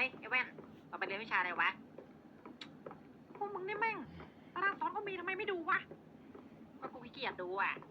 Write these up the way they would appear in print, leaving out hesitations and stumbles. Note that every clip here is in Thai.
ฮ้ยไอ้แว่นเราไปเรียนวิชาอะไรวะพวกมึงนี่แม่งตารางสอนก็มีทำไมไม่ดูวะก็กูขี้เกียจดูอ่ะ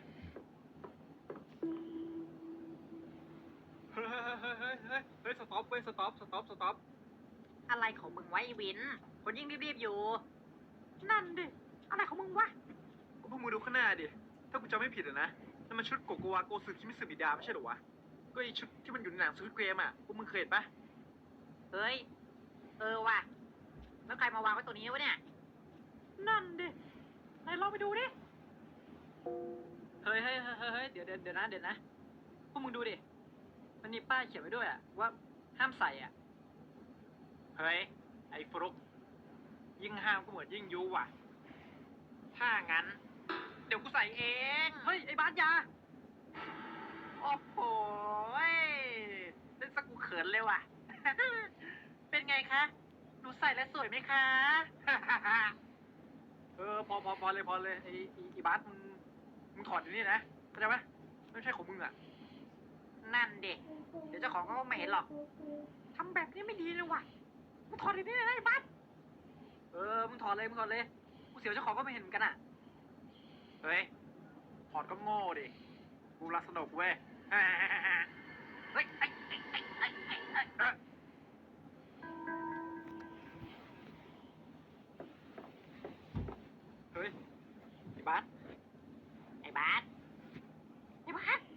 เฮ้ยสต็อปเว้ยสต็อปอะไรของมึงวะไอ้วินคนยิ่งรีบๆอยู่ นั่นดิอะไรของมึงวะก็พวกมึงดูข้างหน้าดิถ้ากูจำไม่ผิดอะนะนั่นมันชุดโกโกวาโกสึคิมิสึบิดาไม่ใช่เหรอวะก็ไอชุดที่มันอยู่ในหนังสควิดเกมอะพวกมึงเคยเห็นปะเฮ้ยว่ะแล้วใครมาวางไว้ตัวนี้วะเนี่ยนั่นดิไหนลองไปดูดิเฮ้ยเดี๋ยวนะพวกมึงดูดิมันมีป้ายเขียนไว้ด้วยอะว่าห้ามใส่อ่ะเฮ้ยไอ้ฟลุกยิ่งห้ามก็เหมือนยิ่งยุว่ะถ้างั้นเดี๋ยวกูใส่เองเฮ้ยไอ้บาสยาโอ้โหเล่นสักกูเขินเลยว่ะ เป็นไงคะหนูใส่แล้วสวยไหมคะพอเลยไอ้บาสมึงถอดอยู่นี่นะเข้าใจปะไม่ใช่ของมึงอะนั่นเด็กเดี๋ยวเจ้าของก็ไม่เห็นหรอกทำแบบนี้ไม่ดีเลยว่ะมึงถอดดีๆเลยนะไอ้บัสมึงถอดเลยกูเสียวเจ้าของก็ไม่เห็นเหมือนกันอ่ะเฮ้ยถอดก็โง่ดิกูรักสนุกเว้ย เฮ้ย